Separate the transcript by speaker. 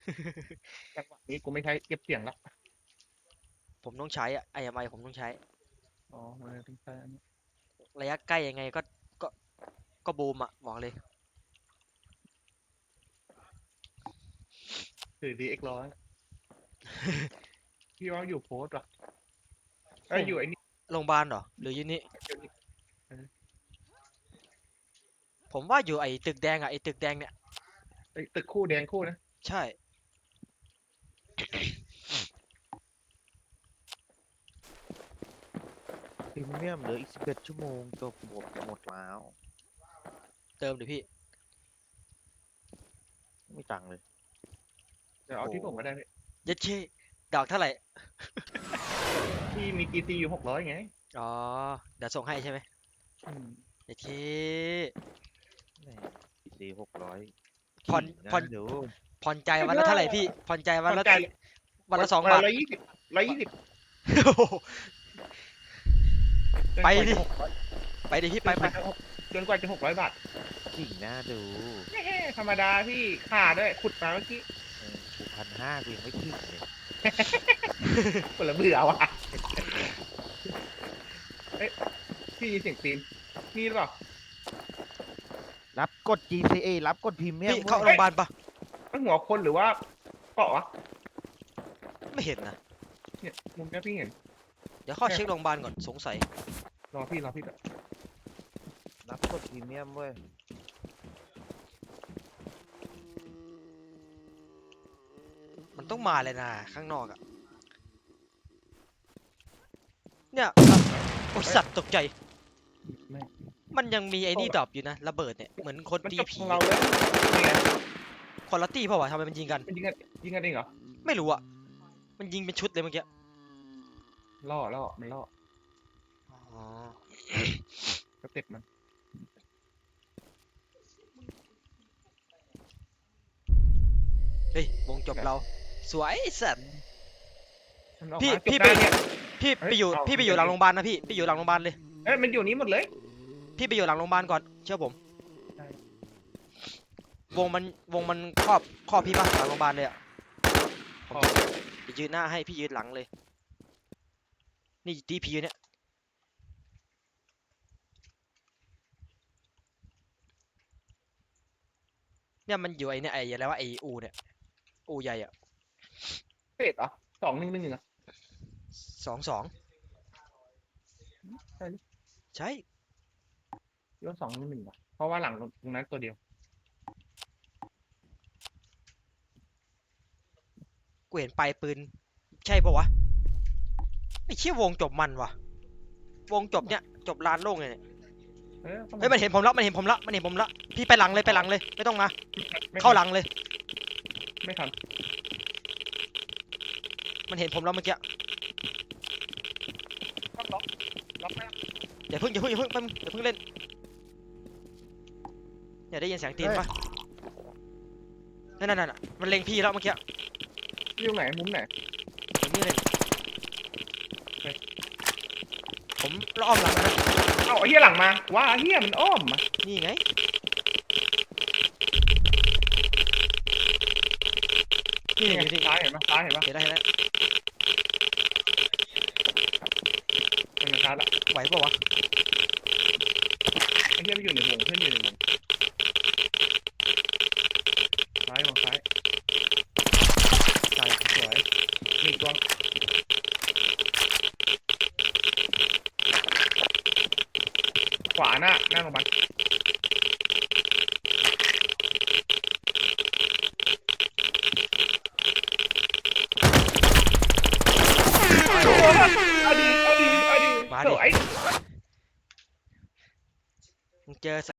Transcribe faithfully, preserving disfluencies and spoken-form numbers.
Speaker 1: จังหวะนี้กูไม่ใช้เก็บเสียงละ
Speaker 2: ผมต้องใช้อะไอ้ไมผมต้องใช้
Speaker 1: อ๋อมันต้องใช้อันนี้
Speaker 2: ระยะใกล้ยังไงก็ก็ก็บูมอะบอกเลย
Speaker 1: ถือดีเอ็กร้อยพี่ว่าอยู่โพสต์ว่ะ
Speaker 2: ผ
Speaker 1: เอ้ย
Speaker 2: ม
Speaker 1: อยู่ไอ้นี่
Speaker 2: โรงพยาบาลเหรอหรืออยู่นี่
Speaker 1: เดี๋ยวนี้เออ
Speaker 2: ผมว่าอยู่ไอ้ตึกแดงอะไอ้ตึกแดงเนี่ย
Speaker 1: ไอ้ตึกคู่แดงคู่นะ
Speaker 2: ใช่
Speaker 3: พรีเมียมเหลืออีกสิบเอ็ดชั่วโมงจบหมดหมดแล้ว
Speaker 2: เติมดิพี่
Speaker 3: ไม่มีตังค์เลย
Speaker 1: เดี๋ยวเอาที่ผมก็ได้พี่
Speaker 2: เยัดเช่ดอกเท่าไหร่
Speaker 1: พี่มีกีซีอยู่หกร้อยไง
Speaker 2: อ๋อเดี๋ยวส่งให้ใช่ไหม
Speaker 1: อืม
Speaker 2: เยัดเช่
Speaker 3: แหม่สี่หกร้อย
Speaker 2: ผ่อนผ่อน
Speaker 3: เดี๋ยว
Speaker 2: ผ่อนใจวันละเท่าไหร่พี่ผ่อนใจวันละ
Speaker 1: ผ่อนใจ
Speaker 2: วันละสองบาท
Speaker 1: ร้อยยี่สิบร้อยยี่สิบ
Speaker 2: ไปดิ ไปดิพี่ไปไป
Speaker 1: จนกว่าจะหกร้อยบาท
Speaker 3: จริงนะดู
Speaker 1: แฮ่ธรรมดาพี่ขาด้วยขุดมาเมื่อกี้
Speaker 3: เออกูพันห้ากูยังไม่ถึงเลย
Speaker 1: คนละเบื่อว่ะเอ้ยพี่ยินเสียงตีนนี่หรือเปล่า
Speaker 3: รับกด จี ซี เอ รับกดพรีเมียม
Speaker 2: พี่เข้าโรงพยาบาลปะ
Speaker 1: มันหัวคนหรือว่าเกาะวะ
Speaker 2: ไม่เห็นนะ
Speaker 1: เนี่ยมุมเนี้ยพี่เห็น
Speaker 2: เดี๋ยวเข้าเช็คโรงพยาบาลก่อนสงสัย
Speaker 1: รอพี่รอพี่ก่อน
Speaker 3: รับกดพรีเมียมเว้ย
Speaker 2: มันต้องมาเลยนะข้างนอกอะเนี่ยโอ้ยสัตว์ตกใจ
Speaker 1: ไม่
Speaker 2: มันยังมีไอ้นี่ดรอปอยู่นะระเบิดเนี่ยเหมือนคน
Speaker 1: มัน
Speaker 2: ตี
Speaker 1: จบข
Speaker 2: ผี
Speaker 1: องเราแล้วนี่ไง
Speaker 2: คนละตีเปล่าวะทำไมมันยิงกัน
Speaker 1: มันยิงกันยิงกันเองเหรอ
Speaker 2: ไม่รู้อะมันยิงเป็นชุดเลยเมื่อกี้
Speaker 1: ล่อล่อมันล่อ
Speaker 2: อ๋อ
Speaker 1: สเต็ปมัน
Speaker 2: เฮ้ยวงจบเราสวยสัตว์
Speaker 1: มันออก
Speaker 2: พี่
Speaker 1: มาจ
Speaker 2: พี่
Speaker 1: บ
Speaker 2: ไป
Speaker 1: ได้เนี่ย
Speaker 2: พี่
Speaker 1: เฮ้ย
Speaker 2: ไปอยู่
Speaker 1: เอา
Speaker 2: พี่ไป
Speaker 1: เอา
Speaker 2: อยู่หลัง
Speaker 1: เอา
Speaker 2: โรงพยาบาลนะพี่พี่อยู่หลังโรงพยาบาลเลย
Speaker 1: เอ้ยมันอยู่นี้หมดเลย
Speaker 2: พี่ไปอยู่หลังโรงพยาบาลก่อนเชื่อผม
Speaker 1: ใช่
Speaker 2: วงมันวงมันครอบครอบพี่ปะหลังโรงพยาบาลเลยอะผม
Speaker 1: อ๋อ
Speaker 2: จะยืนหน้าให้พี่ยืนหลังเลย นี่ดีพีเนี่ยเนี่ยมันอยู่ไอ้เนี่ยไอ้อะไรวะไอ้อูเนี่ยอูใหญ่อะ
Speaker 1: เฟดเหรอสองหนึ่งหนึ่งเหรอ
Speaker 2: สองสอง
Speaker 1: ใช่หรือ
Speaker 2: ใช่
Speaker 1: เรื่องสองหนึ่งหนึ่งเหรอเพราะว่าหลังตรงนั้นตัวเดียว
Speaker 2: กูเห็นปลายปืนใช่ปะวะไอ้เชี่ยวงจบมันวะวงจบเนี่ยจบลานโล่งเลยเนี่ย
Speaker 1: เออเข้า
Speaker 2: เฮ้ยมันเห็นผมละมันเห็นผมละมันเห็นผมละพี่ไปหลังเลยไปหลังเลยไม่ต้องมา
Speaker 1: ไม่
Speaker 2: เข้า
Speaker 1: ทัน
Speaker 2: หลังเลย
Speaker 1: ไม่ทัน
Speaker 2: มันเห็นผมแล้วเมื่อกี้
Speaker 1: ต้องล็อกล็อกแม่
Speaker 2: อย่าเพิ่งอย่าเพิ่งอย่าเพิ่งแป๊บนึงอย่าเพิ่งเล่นเนี่ยได้ยินเสียงตีนปะนั่นนั่นน่ะมันเล็งพี่แล้วเมื่อกี้
Speaker 1: อยู่ไหนมุมไหน
Speaker 2: ผมนี่เลย
Speaker 1: เฮ้ย
Speaker 2: ผมล้อมหลังนะ
Speaker 1: เอ้าไอ้เหี้ยหลังมาว่าไอ้เหี้ยมันอ้อมมา
Speaker 2: นี่ไงนี่
Speaker 1: นี่
Speaker 2: นี่
Speaker 1: ไง
Speaker 2: นี่
Speaker 1: ซ้ายเห็นปะซ้ายเห็นปะ
Speaker 2: เห็นแล้วเห็นแล้ว
Speaker 1: เป็นไงซ้ายละ
Speaker 2: ไหวปะวะ
Speaker 1: ไอ้เหี้ยมันอยู่ในวงเพื่อนอยู่ในวงซ้ายวงซ้าย
Speaker 2: ตาย
Speaker 1: สวยมีอีกตัวขวาหน้าหน้าโรงพยาบาลเอาดีเอาดีเอาดี
Speaker 2: มา
Speaker 1: ส
Speaker 2: ดิ
Speaker 1: วย
Speaker 2: มึงเจอ